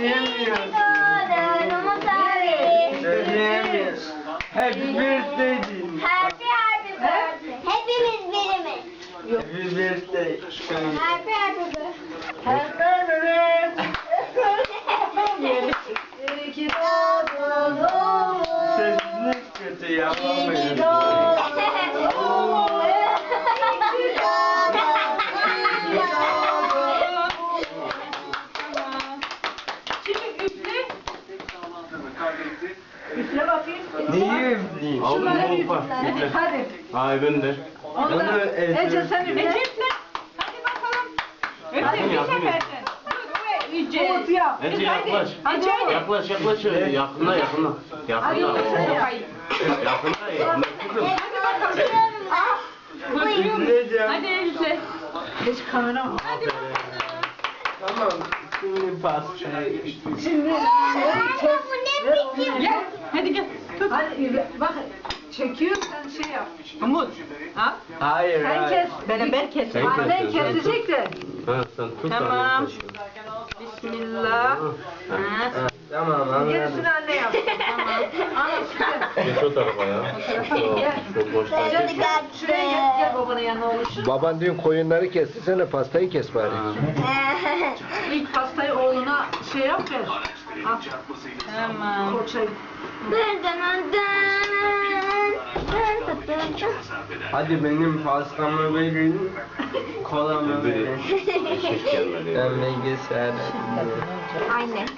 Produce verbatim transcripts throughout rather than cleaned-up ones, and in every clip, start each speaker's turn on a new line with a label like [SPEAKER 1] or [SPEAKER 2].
[SPEAKER 1] Söyleyemiyorum. Söyleyemiyorum. Happy birthday diyeyim.
[SPEAKER 2] Happy happy birthday. Hepimiz birimiz.
[SPEAKER 1] Happy birthday.
[SPEAKER 2] Happy happy birthday.
[SPEAKER 1] Happy birthday.
[SPEAKER 2] İyi ki doğdun oğlum.
[SPEAKER 1] Sesiniz kötü yapamayın.
[SPEAKER 2] İyi ki doğdun oğlum. İyi ki doğdun. İyi ki doğdun.
[SPEAKER 3] Şimdi üfle. Üfle bakayım.
[SPEAKER 1] Neyi üfleyeyim?
[SPEAKER 3] Şunları üfle. Hadi.
[SPEAKER 4] Hayır ben de.
[SPEAKER 3] Onu
[SPEAKER 1] Onu
[SPEAKER 3] da.
[SPEAKER 1] Ece-
[SPEAKER 3] Ece sen üfle. Ece üfle. Hadi bakalım. Üfle bir seferden. Ece. Umut yap.
[SPEAKER 4] Ece yaklaş.
[SPEAKER 3] Ece.
[SPEAKER 4] Yaklaş yaklaş. Yakına yakına.
[SPEAKER 3] Hadi
[SPEAKER 4] Yakına.
[SPEAKER 3] sen yap.
[SPEAKER 4] Yakına yakına. Kızım.
[SPEAKER 1] Üfleyeceğim.
[SPEAKER 3] Hadi üfle. Geç kamera mı? Hadi.
[SPEAKER 1] Tamam. Şimdi pastaya geçtim.
[SPEAKER 3] Şimdi.
[SPEAKER 2] Bu ne biçim?
[SPEAKER 3] Gel. Hadi gel. Tut. Hadi bak. Çekiyor sen şey yap. Umut. Ha?
[SPEAKER 1] Hayır,
[SPEAKER 3] Sen
[SPEAKER 1] hayır.
[SPEAKER 3] kes. Beraber kes.
[SPEAKER 4] Sen
[SPEAKER 3] Sen
[SPEAKER 4] kes,
[SPEAKER 3] kesecek de.
[SPEAKER 4] Ha sen tut.
[SPEAKER 3] Tamam.
[SPEAKER 4] abi.
[SPEAKER 3] Bismillah. Ha.
[SPEAKER 1] Ha, tamam anladım.
[SPEAKER 3] Gerisini anne yap. Tamam. Anne
[SPEAKER 4] Geç o tarafa ya. Şu, şu boştan.
[SPEAKER 3] Gel. Şuraya gel, gel babanın yanına oluşur.
[SPEAKER 5] Baban dün koyunları kesti, sen de pastayı kes bari.
[SPEAKER 3] İlk pastayı oğluna şey yap ver. Al. Tamam. Koçayı.
[SPEAKER 2] Dın dın dın dın dın dın dın.
[SPEAKER 1] Hadi benim pastamı verin. Kolamı verin.
[SPEAKER 4] Eşek gelmedi ya.
[SPEAKER 1] Ben bilgisayar.
[SPEAKER 2] Aynen.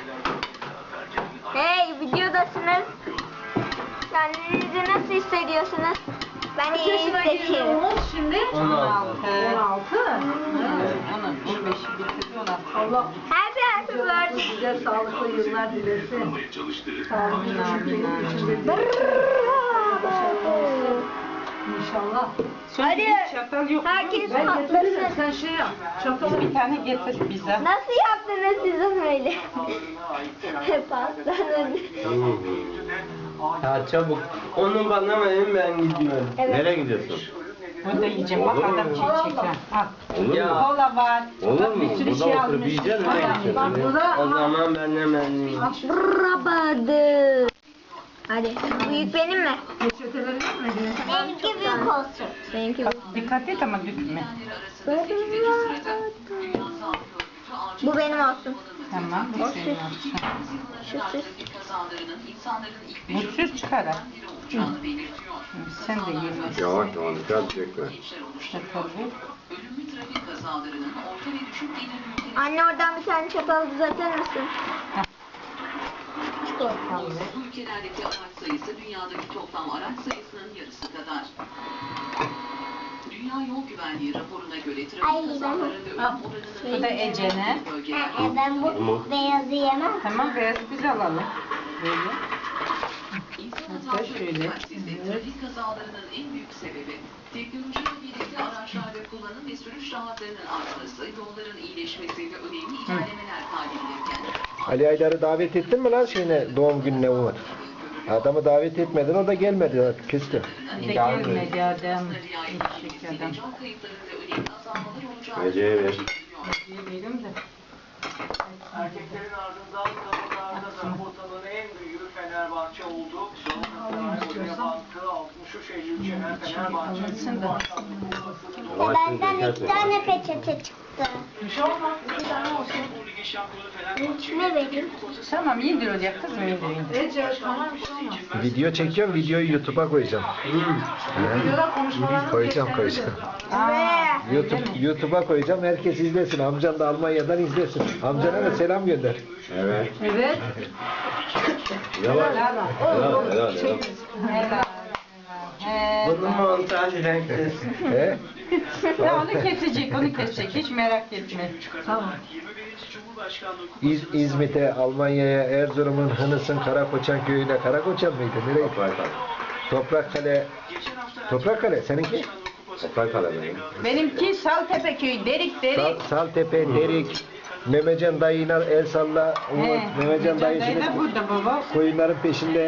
[SPEAKER 2] Hey, videodasınız. Kendinizi nasıl hissediyorsunuz? Ben
[SPEAKER 3] Kaç
[SPEAKER 2] iyi
[SPEAKER 3] yaşına girdi
[SPEAKER 2] hissediyorum.
[SPEAKER 3] Umut şimdi?
[SPEAKER 1] on altı.
[SPEAKER 3] on altı. on beşi bitirdi on altı. Allah
[SPEAKER 2] Happy happy birthday.
[SPEAKER 3] size sağlıklı yıllar dilesin. Sağlıklı yıllar içinde İnşallah.
[SPEAKER 2] Hadi.
[SPEAKER 3] Çatal yok.
[SPEAKER 2] Herkes
[SPEAKER 3] Ben getiririm.
[SPEAKER 2] patlasın.
[SPEAKER 3] Sen şey yap. Çatalı bir tane getir bize.
[SPEAKER 2] Nasıl yaptınız siz onu öyle? Pastanın.
[SPEAKER 1] Ya çabuk. Onu bana verin, ben gidiyorum.
[SPEAKER 2] Evet.
[SPEAKER 4] Nereye gidiyorsun?
[SPEAKER 3] Burada yiyeceğim. Bak adam çiğ çeker. Al.
[SPEAKER 4] Olur mu?
[SPEAKER 1] Ya.
[SPEAKER 3] Kola var.
[SPEAKER 4] Olur
[SPEAKER 3] Bak
[SPEAKER 4] mu?
[SPEAKER 3] bir sürü
[SPEAKER 4] Burada
[SPEAKER 3] şey
[SPEAKER 4] oturup
[SPEAKER 3] almış.
[SPEAKER 4] yiyeceksin, nereye
[SPEAKER 3] Bak,
[SPEAKER 4] gideceksin?
[SPEAKER 3] Bak burada.
[SPEAKER 1] O zaman ben hemen yiyeyim.
[SPEAKER 2] Rabadı. Hadi. Büyük benim mi?
[SPEAKER 3] Peçeteleri yok mu?
[SPEAKER 2] Benimki büyük olsun. Benimki büyük.
[SPEAKER 3] Dikkat et ama dökme.
[SPEAKER 2] Bu benim olsun.
[SPEAKER 3] Tamam. Bu senin olsun.
[SPEAKER 2] Şu süs.
[SPEAKER 3] Mutsuz çıkar ha. Sen de yeme.
[SPEAKER 4] Yavaş yavaş dikkat çekme.
[SPEAKER 3] Çatalı.
[SPEAKER 2] Anne oradan bir tane çatal düzeltir misin?
[SPEAKER 6] Bu ülkelerdeki araç sayısı dünyadaki toplam araç sayısının yarısı kadar. Dünya Yol Güvenliği raporuna göre
[SPEAKER 2] Ay,
[SPEAKER 6] trafik kazalarında ölüm
[SPEAKER 3] Al.
[SPEAKER 6] oranının
[SPEAKER 3] Bu da Ece'ne.
[SPEAKER 2] Ee, ben bu beyazı yemem.
[SPEAKER 3] Tamam beyaz biz alalım. Böyle.
[SPEAKER 6] İnsan
[SPEAKER 3] Hatta
[SPEAKER 6] hataları
[SPEAKER 3] şöyle.
[SPEAKER 6] yetersizliği trafik kazalarının en büyük sebebi teknolojiyle birlikte araçlarda kullanım ve sürüş rahatlarının artması, yolların iyileşmesi ve önemli ilerlemeler kaydedilirken
[SPEAKER 5] Ali Aydar'ı davet ettin mi lan şeyine, doğum gününe Umut? Adamı davet etmedin, o da gelmedi, küstü.
[SPEAKER 3] Bir de gelmedi adam. Teşekkür ederim.
[SPEAKER 6] can kayıplarında önemli azalmalar olacağı
[SPEAKER 4] Ece'ye ver.
[SPEAKER 3] Yemeyelim de.
[SPEAKER 7] Erkeklerin ardından kadınlarda da ortalığın en büyüğü Fenerbahçe oldu. Galatasaray oraya baktı. altmış üç Eylül Şener Fenerbahçe.
[SPEAKER 3] Alınsın da.
[SPEAKER 2] Benden iki tane peçete çıktı.
[SPEAKER 3] Bir şey olmaz.
[SPEAKER 7] Bir tane olsun. Bu ligin şampiyonu Fenerbahçe.
[SPEAKER 2] Ne vereyim?
[SPEAKER 3] Tamam iyidir olacak kızım iyidir iyidir. Ece tamam bir şey olmaz.
[SPEAKER 5] Video çekiyorum, videoyu YouTube'a koyacağım.
[SPEAKER 3] Videoda konuşmalarımız
[SPEAKER 5] Koyacağım,
[SPEAKER 3] geçerlidir.
[SPEAKER 5] koyacağım.
[SPEAKER 3] Aa,
[SPEAKER 5] YouTube, YouTube'a koyacağım, herkes izlesin. Amcan da Almanya'dan izlesin. Amcana da selam gönder.
[SPEAKER 4] Evet.
[SPEAKER 3] Evet.
[SPEAKER 4] Yavaş.
[SPEAKER 3] Helal.
[SPEAKER 4] Helal helal helal.
[SPEAKER 3] Helal. He.
[SPEAKER 1] Bunu montaj renklesin.
[SPEAKER 5] He?
[SPEAKER 3] Ya onu kesecek, onu kesecek. Hiç merak etme. Tamam.
[SPEAKER 5] İz, İzmit'e, Almanya'ya, Erzurum'un Hınıs'ın Karakoçan köyüne. Karakoçan mıydı? Nereye?
[SPEAKER 4] Toprakkale.
[SPEAKER 5] Toprakkale. Toprakkale, seninki?
[SPEAKER 4] Toprakkale benim.
[SPEAKER 3] Benimki Saltepe köyü, Derik Derik.
[SPEAKER 5] Sal, Saltepe, Derik, Memecan dayına el salla. Umut,
[SPEAKER 3] He.
[SPEAKER 5] Memecan
[SPEAKER 3] Memecan
[SPEAKER 5] dayı
[SPEAKER 3] dayı da
[SPEAKER 5] şimdi
[SPEAKER 3] burada baba.
[SPEAKER 5] koyunların peşinde.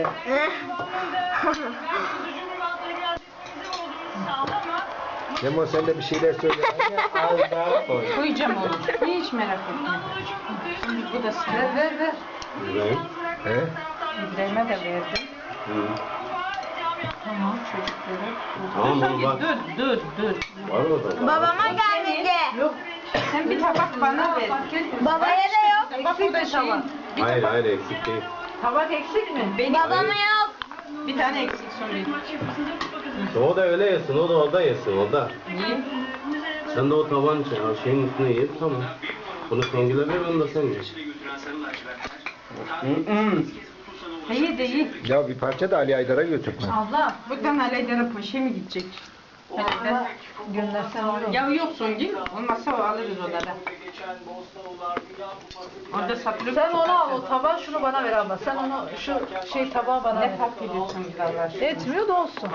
[SPEAKER 5] Cemo sen de bir şeyler söyle.
[SPEAKER 1] Az daha koy.
[SPEAKER 3] Koyacağım onu. Hiç merak etme. Bu da sana. Ver ver ver.
[SPEAKER 4] İbrahim.
[SPEAKER 5] He?
[SPEAKER 3] İbrahim'e de verdim.
[SPEAKER 4] Hı.
[SPEAKER 3] Tamam çocuklara.
[SPEAKER 4] Tamam oğlum bak.
[SPEAKER 3] Dur dur dur.
[SPEAKER 4] Var mı orada?
[SPEAKER 2] Babama gelmedi.
[SPEAKER 3] Yok. Sen bir tabak bana ver.
[SPEAKER 2] Babaya da yok.
[SPEAKER 3] Bak bu da tabak.
[SPEAKER 4] Hayır hayır eksik değil.
[SPEAKER 3] Tabak eksik mi? Benim
[SPEAKER 2] Babama yok.
[SPEAKER 3] bir tane eksik söyleyeyim.
[SPEAKER 4] O da öyle yesin, o da orada yesin, o da.
[SPEAKER 3] Niye?
[SPEAKER 4] Sen de o taban şeyin üstüne ye, tamam. Bunu Songül'e ver, onu da sen ye.
[SPEAKER 1] Hı hı.
[SPEAKER 3] İyi de iyi.
[SPEAKER 5] Ya bir parça da Ali Aydar'a götürme.
[SPEAKER 3] Abla, buradan Aleydar'a poşe mi gidecek? Aleyder göndersen olur. Ya yok Songül, olmazsa o alırız odada. Orada satılıyor. Sen onu al, o tabağı şunu bana ver abla. Sen onu, şu şey tabağı bana ver. Ne fark ediyorsun güzeller? Etmiyor da olsun.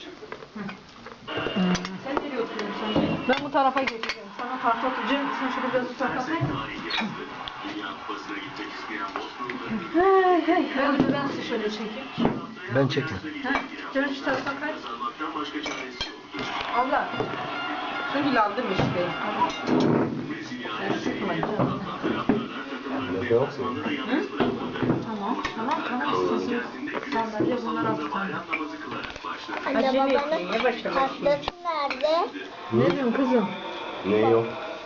[SPEAKER 3] Sen nereye oturuyorsun? Ben bu tarafa geçeceğim. Sana tahta atacağım. Sen şöyle biraz uzaklaşın. Hey hey. Ben, ben size şöyle çekeyim.
[SPEAKER 5] Ben çekin.
[SPEAKER 3] Ha, canım şu tarafa kaç. Abla. Çünkü aldım işte. Sen sıkma canım.
[SPEAKER 4] Yok mu?
[SPEAKER 3] Hı? Tamam, tamam, tamam. Sizin sandalye bunlar altı tane.
[SPEAKER 2] Anne
[SPEAKER 3] Acele
[SPEAKER 2] babanın
[SPEAKER 3] etmeyin, yavaş yavaş.
[SPEAKER 2] pastası nerede?
[SPEAKER 3] Ne diyorsun kızım?
[SPEAKER 4] Ne yok?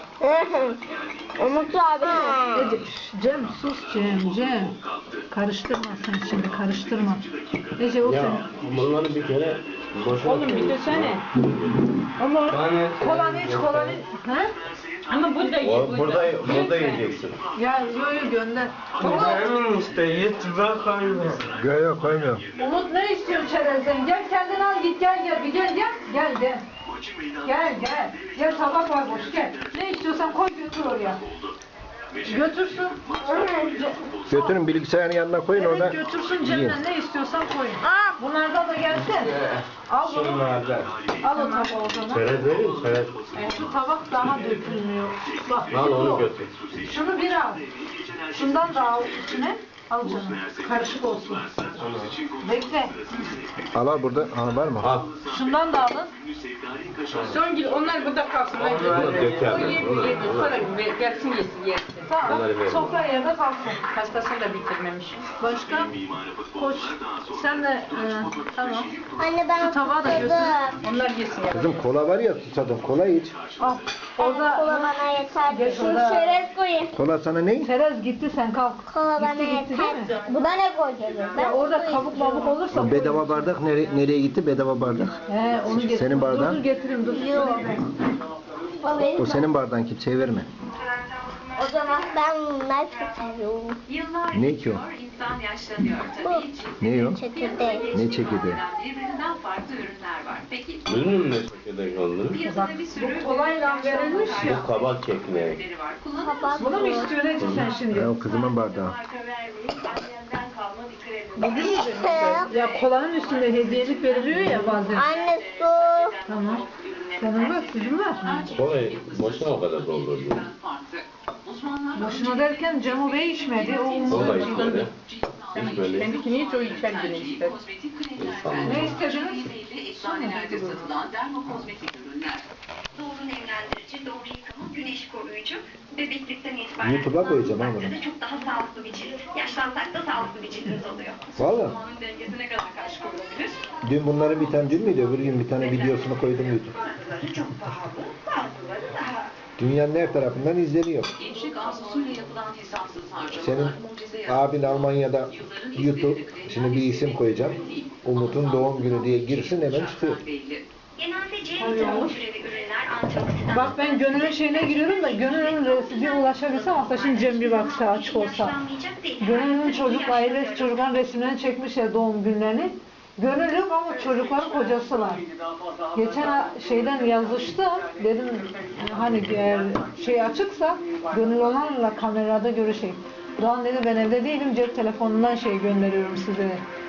[SPEAKER 2] Umut abi.
[SPEAKER 3] Ece, Cem sus Cem, Cem. Karıştırma sen şimdi, karıştırma. Ece o
[SPEAKER 4] Ya
[SPEAKER 3] senin.
[SPEAKER 4] bunları bir kere boşuna
[SPEAKER 3] Oğlum bir desene. Ama kolanı iç, kolanı iç. Ha? Ama burada ye,
[SPEAKER 4] O, burada, burada yiyeceksin.
[SPEAKER 3] Ya yo yo gönder.
[SPEAKER 1] İbrahim'in işte YouTube'a koyma.
[SPEAKER 5] Yok yok koymuyorum.
[SPEAKER 3] Umut ne istiyorsun çerezden? Gel kendin al git gel gel bir gel gel. Gel gel. Gel gel. Gel tabak var boş gel. Ne istiyorsan koy götür oraya. Götürsün.
[SPEAKER 5] Götürün bilgisayarın yanına koyun orada.
[SPEAKER 3] Evet götürsün
[SPEAKER 5] yiyin.
[SPEAKER 3] cebine ne istiyorsan koy. Aa bunlardan da gelsin. Al bunu.
[SPEAKER 1] Şunlardan.
[SPEAKER 3] Al o tabağı o zaman.
[SPEAKER 4] Çerez vereyim mi? Çerez.
[SPEAKER 3] E, şu tabak daha dökülmüyor. Bak
[SPEAKER 4] Al
[SPEAKER 3] bu.
[SPEAKER 4] onu götür.
[SPEAKER 3] Şunu bir al. Şundan da al içine. Al canım. Karışık olsun. Bekle.
[SPEAKER 5] Al al burada. Al var mı?
[SPEAKER 4] Al.
[SPEAKER 3] Şundan da alın. Songül onlar burada kalsın.
[SPEAKER 4] Bunu döker.
[SPEAKER 3] O yedi
[SPEAKER 4] Bunu-
[SPEAKER 3] yedi.
[SPEAKER 4] bunu-
[SPEAKER 3] Sonra gelsin yesin yesin. Tamam.
[SPEAKER 4] Onları verin.
[SPEAKER 3] Sofra yerde kalsın. Pastasını da bitirmemiş. Başka? Koş. Sen de e, tamam.
[SPEAKER 2] Anne ben
[SPEAKER 3] Şu tabağı da götür.
[SPEAKER 2] susadım.
[SPEAKER 3] Onlar yesin ya.
[SPEAKER 5] Kızım kola var ya susadım. Kola iç.
[SPEAKER 3] Al.
[SPEAKER 2] Kola
[SPEAKER 3] Orada
[SPEAKER 2] bana yeter.
[SPEAKER 3] Geç
[SPEAKER 2] Şu
[SPEAKER 3] orada.
[SPEAKER 2] çerez koyayım.
[SPEAKER 5] Kola sana ne?
[SPEAKER 3] Terez gitti sen kalk.
[SPEAKER 2] Kola bana
[SPEAKER 3] Gitti gitti değil mi?
[SPEAKER 2] yeter. Buna ne koyacağız?
[SPEAKER 3] Ya orada kabuk babuk olursa koy.
[SPEAKER 5] Bedava bardak nere, nereye gitti? Bedava bardak.
[SPEAKER 3] He onu getir.
[SPEAKER 5] Senin bardağın?
[SPEAKER 3] Dur dur getireyim dur.
[SPEAKER 2] Yok. O benim.
[SPEAKER 5] O senin bardağın, kimseye verme.
[SPEAKER 2] O zaman ben bunları çok seviyorum.
[SPEAKER 6] Yıllar
[SPEAKER 5] Ne ki o?
[SPEAKER 6] geçiyor, insan yaşlanıyor tabii.
[SPEAKER 5] Ne o?
[SPEAKER 2] Çekirdeği.
[SPEAKER 5] Ne çekirdeği?
[SPEAKER 6] Birbirinden farklı ürünler var. Peki
[SPEAKER 4] Ürünün ne çekirdek olduğunu?
[SPEAKER 6] piyasada bir sürü
[SPEAKER 3] Bu kolayla verilmiş ya.
[SPEAKER 4] Bu kabak kekmeği.
[SPEAKER 6] ürünleri var. Kullanım
[SPEAKER 2] Kapat.
[SPEAKER 3] Bunu mu istiyorsun Ece sen şimdi?
[SPEAKER 5] Ya o kızımın bardağı.
[SPEAKER 3] Ya kolanın üstünde hediyelik veriliyor ya bazen.
[SPEAKER 2] Anne su.
[SPEAKER 3] Tamam. Senin var, sizin var.
[SPEAKER 4] Kolayı boşuna o kadar doldurdun.
[SPEAKER 6] farklı. Uzmanlar
[SPEAKER 3] Boşuna derken Cemo Bey içmedi. O
[SPEAKER 4] Kola
[SPEAKER 3] umurda
[SPEAKER 4] içmedi. Hiç böyle.
[SPEAKER 3] Kendikini hiç o içer bile ister.
[SPEAKER 6] kozmetik kremler
[SPEAKER 4] Tamam.
[SPEAKER 3] Ne istediniz?
[SPEAKER 6] belli eczanelerde satılan dermokozmetik ürünler.
[SPEAKER 8] Doğru nemlendirici, doğru yıkama, güneş koruyucu, bebeklikten itibaren
[SPEAKER 5] YouTube'a koyacağım ha bunu.
[SPEAKER 8] kullanılmakta da çok daha sağlıklı bir cilt. Yaşlansak da sağlıklı bir cildimiz oluyor.
[SPEAKER 5] Valla.
[SPEAKER 8] Hormonun dengesine kadar karşı korunabilir.
[SPEAKER 5] Dün bunların bir tane dün müydü? Öbür gün bir tane videosunu koydum YouTube.
[SPEAKER 8] Bazıları çok pahalı, bazıları daha
[SPEAKER 5] Dünyanın her tarafından izleniyor.
[SPEAKER 6] Gençlik arzusuyla yapılan hesapsız harcamalar
[SPEAKER 5] Senin
[SPEAKER 6] mucize yaratıyor.
[SPEAKER 5] abin Almanya'da YouTube, şimdi bir isim koyacağım. Umut'un doğum günü diye girsin hemen çıkıyor.
[SPEAKER 6] Belli.
[SPEAKER 8] genelde C vitamini türevi ürünler antioksidan.
[SPEAKER 3] Bak ben Gönül'ün şeyine giriyorum da Gönül'ün resmine ulaşabilsem aslında şimdi Cem bir baksa açık olsa.
[SPEAKER 8] Yaşlanmayacak değil.
[SPEAKER 3] Gönül'ün çocuk ailesi çocukların resimlerini çekmiş ya doğum günlerini. Gönül yok ama çocukların kocası var. Geçen a- şeyden yazıştım. Dedim hani eğer şey açıksa Gönül olanla kamerada görüşeyim. Doğan dedi ben evde değilim cep telefonundan şey gönderiyorum size.